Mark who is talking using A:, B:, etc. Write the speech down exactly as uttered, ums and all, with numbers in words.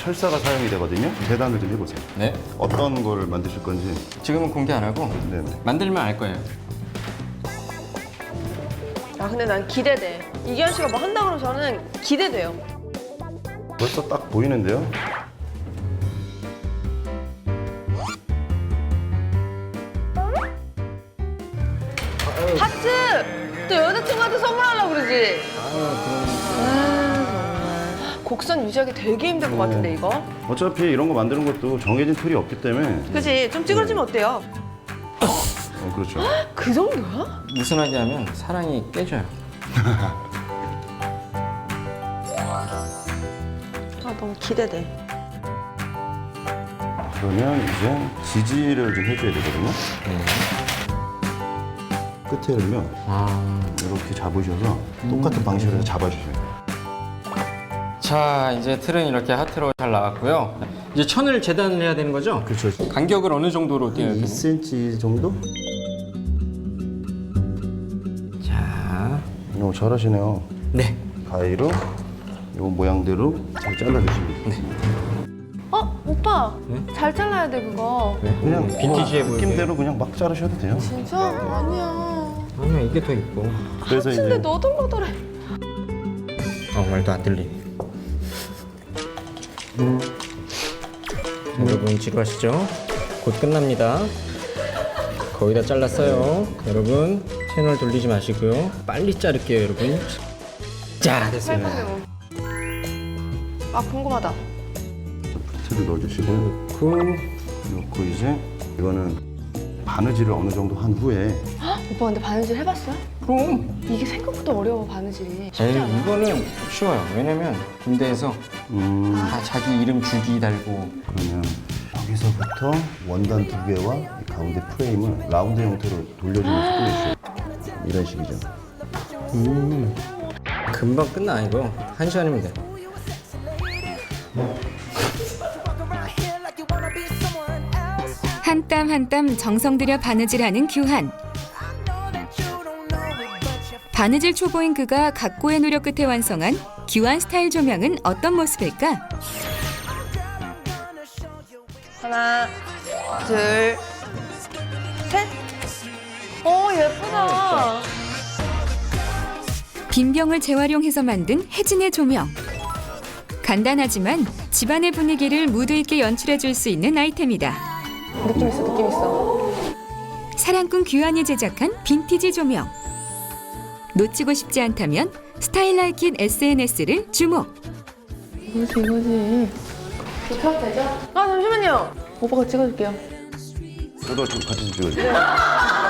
A: 철사가 사용이 되거든요. 계단을 좀 해보세요.
B: 네.
A: 어떤 거를 만드실 건지.
B: 지금은 공개 안 하고
A: 네네.
B: 만들면 알 거예요.
C: 아 근데 난 기대돼. 이기현 씨가 뭐 한다 그러면 저는 기대돼요.
A: 벌써 딱 보이는데요.
C: 하트! 또 여자친구한테 선물하려고 그러지? 아, 정말. 곡선 유지하기 되게 힘들 것 같은데, 이거?
A: 어차피 이런 거 만드는 것도 정해진 틀이 없기 때문에.
C: 그치? 좀 찌그러지면 어때요?
A: 어, 그렇죠.
C: 그 정도야?
B: 느슨하게 하면 사랑이 깨져요.
C: 아, 너무 기대돼.
A: 그러면 이제 지지를 좀 해줘야 되거든요.
B: 네.
A: 끝에를요,
B: 아.
A: 이렇게 잡으셔서 똑같은 방식으로 해서 잡아주세요.
B: 자, 이제 틀은 이렇게 하트로 잘 나왔고요. 이제 천을 재단을 해야 되는 거죠?
A: 그렇죠.
B: 간격을 어느 정도로 띄어야 되나요?
A: 이 센티미터 정도?
B: 자,
A: 오, 잘하시네요.
B: 네.
A: 가위로 요 모양대로 잘 잘라주시면 돼요.
C: 어? 오빠!
B: 네?
C: 잘 잘라야 돼, 그거.
A: 그냥
B: 빈티지해 보이게.
A: 느낌대로 그냥 막 자르셔도 돼요.
C: 진짜? 아니야.
B: 아니야, 이게 더 이뻐.
A: 그래서
C: 근데
A: 이제
C: 너덜너덜해.
B: 어, 말도 안 들리네. 여러분 지루하시죠? 곧 끝납니다. 거의 다 잘랐어요. 여러분 채널 돌리지 마시고요. 빨리 자를게요, 여러분. 자, 됐어요.
C: 아, 궁금하다.
A: 틀을 넣어주시고
B: 넣고
A: 넣고 이제 이거는 바느질을 어느 정도 한 후에
C: 오빠 근데 바느질 해봤어요?
B: 그럼
C: 이게 생각보다 어려워, 바느질이. 쉽지
B: 에이,
C: 않아.
B: 이거는 쉬워요. 왜냐면 군대에서
A: 음,
B: 다 자기 이름 줄기 달고
A: 그러면 여기서부터 원단 두 개와 이 가운데 프레임을 라운드 형태로 돌려주면서 꾸며주세요. 이런 식이죠.
B: 음, 금방 끝나 이거. 한 시간이면 돼.
D: 한 땀 한 땀 정성 들여 바느질하는 규한. 바느질 초보인 그가 각고의 노력 끝에 완성한 규한 스타일 조명은 어떤 모습일까?
C: 하나, 둘, 셋. 오, 예쁘다.
D: 빈 병을 재활용해서 만든 혜진의 조명. 간단하지만 집안의 분위기를 무드 있게 연출해 줄 수 있는 아이템이다.
C: 느낌 있어, 느낌 있어.
D: 사랑꾼 규한이 제작한 빈티지 조명. 놓치고 싶지 않다면 스타일라이킨 에스엔에스를 주목.
C: 이거지, 이거지. 켜도 되죠? 아, 잠시만요. 오빠가 찍어줄게요.
A: 저도 좀 같이 좀 찍어주세요.